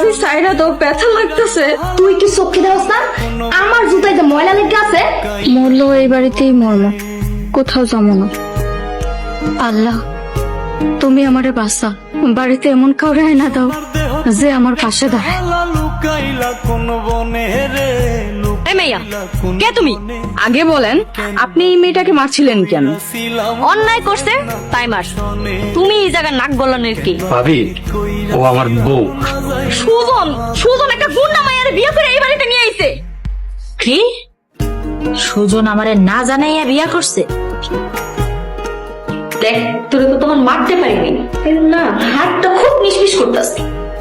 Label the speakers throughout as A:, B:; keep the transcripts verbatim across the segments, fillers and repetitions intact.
A: ভাবি সাইরা তো ব্যথা লাগতেছে।
B: তুই কি চোখে দেওয়াস না? আমার জুতায় যে ময়লা লেগে আছে।
A: মরলো এই বাড়িতেই মরলো, কোথাও যাবো না। আল্লাহ তুমি আমারে বাঁচা, বাড়িতে এমন কাউরে না দাও যে আমার পাশে দাঁড়ায়। এই মেয়া, কে তুমি? আগে বলেন, আপনি এই মেয়েটাকে মারছিলেন কেন? অন্যায় করছে তাই মার। তুমি এই জায়গায় নাক গলানোর কি?
C: ভাবি, ও আমার বউ।
A: সুজন, সুজন একটা গুন্ডা মায়ের বিয়ে করে এই বাড়িতে নিয়ে আইছে।
D: কি? সুজন আমারে না জানাইয়া বিয়া করছে?
B: দেখ, তোরে তো তখন মারতে পারিনি না, হাতটা খুব নিষ্পিস করতেছে।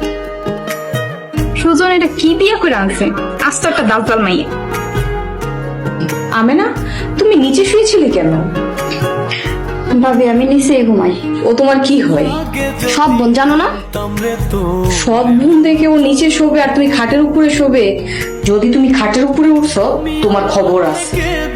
A: সুজন এটা কি বিয়ে করে আনছে? আস্ত একটা দালপাল মাইয়া। আমেনা, তুমি নিচে শুয়েছিলে কেন? ভাবি আমি নিচেই ঘুমাই। ও তোমার কি হয়?
B: সব বোন জানো না?
A: সব বোন দেখে ও নিচে শোবে আর তুমি খাটের উপরে শোবে। যদি তুমি খাটের উপরে উঠছো তোমার খবর আছে।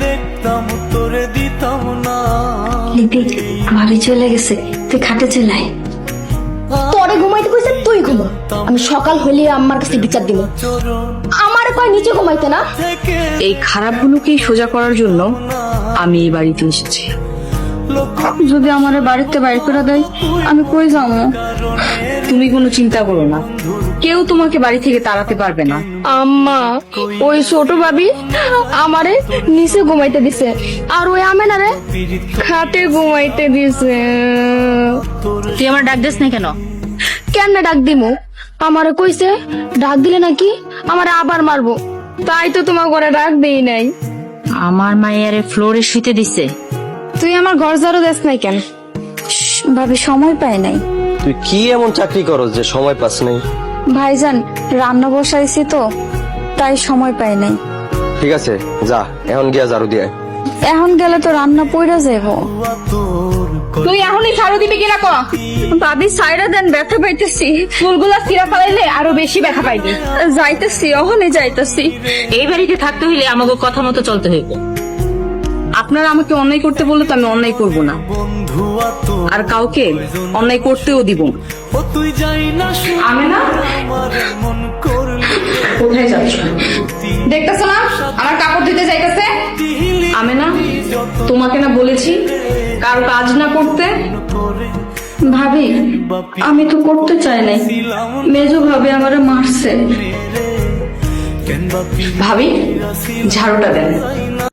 B: দিদি, ভাবি চলে গেছে, তুই খাটে চলাই। তোরে ঘুমাইতে কইছে, তুই ঘুমা। আমি সকাল হইলে আমার কাছে বিচার দিব। আমার কয় নিচে ঘুমাইতে না।
A: এই খারাপগুলোকেই সোজা করার জন্য আমি এই বাড়িতে এসেছি। যদি আমার বাড়িতে বাইর করে দেয় আমি কই যাবো? তুমি কোনো চিন্তা করো না, কেউ তোমাকে বাড়ি থেকে তাড়াতে পারবে না।
B: আম্মা, ওই ছোট ভাবি আমারে নিচে ঘুমাইতে দিছে, আর ওই আমেনারে খাটে ঘুমাইতে দিছে।
D: তুই আমার ডাক দিস না কেন?
B: কেমনে ডাক দিমু? আমারে কইছে ডাক দিলে নাকি আমারে আবার মারবো, তাই তো তোমার ঘরে ডাক দেই নাই।
D: আমার মায়ের ফ্লোরে শুইতে দিছে।
B: তুই আমার ঘর ঝাড়ু দেস নাই কেন?
A: ভাবি সময় পায় নাই।
E: তুই কি এমন চাকরি করস যে সময় পাস নাই?
A: ভাইজান রান্না বসাইছি তো তাই সময় পাই নাই।
E: ঠিক আছে, যা এখন গিয়া ঝাড়ু দিয়ে আয়।
A: এখন গেলে তো রান্না পইরা যাইব।
B: তুই এখনই ঝাড়ু দিবি কিনা ক?
A: ভাবি সাইরা দেন, ব্যথা পাইতেছি।
B: ফুলগুলা ছিঁড়া ফেলাইলে আরো বেশি ব্যথা পাইবি।
A: যাইতেছি, অহনে যাইতেছি।
D: এই বাড়িতে থাকতে হইলে আমাকে কথা মতো চলতে হইব।
A: আপনারা আমাকে অন্যায় করতে বললে তো আমি অন্যায় করব না, আর কাউকে অন্যায় করতেও দিব না। আমি না কোথায় যাচ্ছ?
B: দেখতেছো না আমার কাপড় ধুতে যাইতেছে?
A: আমি না তোমাকে না বলেছি কারো কাজ না করতে? ভাবি আমি তো করতে চাই নাই, মেজো ভাবে আমারে মারছে। ভাবি ঝাড়ুটা দেন।